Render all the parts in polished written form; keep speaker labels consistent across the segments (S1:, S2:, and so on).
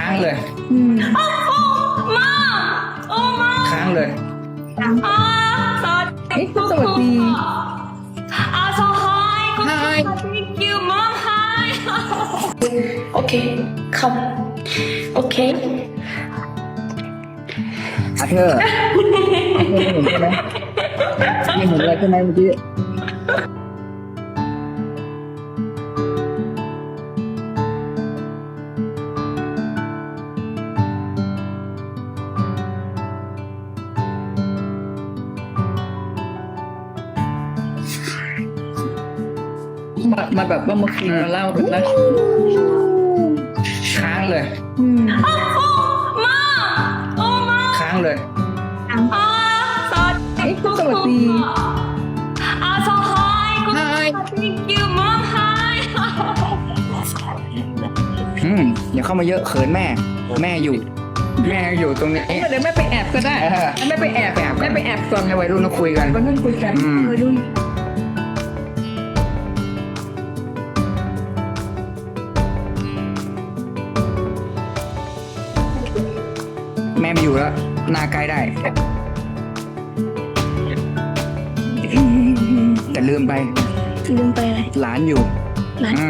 S1: างเลย
S2: มาโอ้มา
S1: ค้างเลย
S2: เฮ้ยสวัสดีso hi
S1: Hi
S2: thank you mom hi okay come okay
S1: อาเธอร์ไม่เห็นอะไรใช่ไหมเมื่อกี้มาแบบว่ามาคุยมาเล่ากันนะค้างเลย
S2: มาโอ้มา
S1: ค้างเลย
S2: สวัสดีso hi
S1: Hi
S2: thank you mom hi
S1: อย่าเข้ามาเยอะเขินแม่ แม่อยู่ตรงนี้
S3: เดี๋ยวแม่ไปแอบก็ได้
S1: เออ
S3: แม่ไปแอบแม่ไปแอบก่อน
S1: ให้วัยรุ่นมาคุยกัน
S3: วันนั้นคุยกัน
S1: อืม
S3: ดู
S1: แม่ไม่อยู่แล้วหน้าใกล้ได้ แต่ลืมไป
S2: ลืมไปอะไร
S1: หลานอยู่
S2: หลาน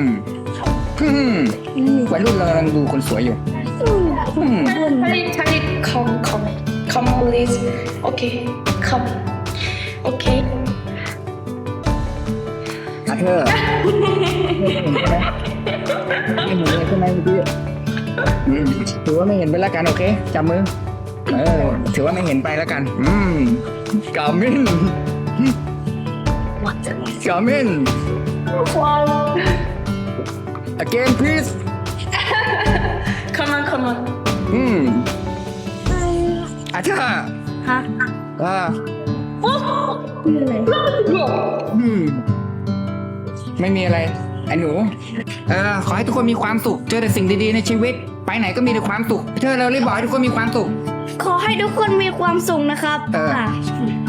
S1: วัยรุ่นเรากำลังดูคนสวยอยู่
S2: Charlie come please okay come okay
S1: อาเธอร์ไม่เห็นเลยใช่ไหมเมื่อกี้ถือว่าไม่เห็นไปแล้วกันโอเคจับมือถือว่าไม่เห็นไปแล้วกันกามิน
S2: what
S1: กามิน
S2: wow
S1: again please
S2: come on
S1: อาเธอร์
S2: ฮะ โอ้คืออะไร
S1: ไม่มีอะไรไอ้หนูขอให้ทุกคนมีความสุขเจอแต่สิ่งดีๆในชีวิต ไปไหนก็มีแต่ความสุขเธอเรารีบบอกให้ทุกคนมีความสุข
S4: ขอให้ทุกคนมีความสุขนะครับ
S1: เออ
S4: ค่ะ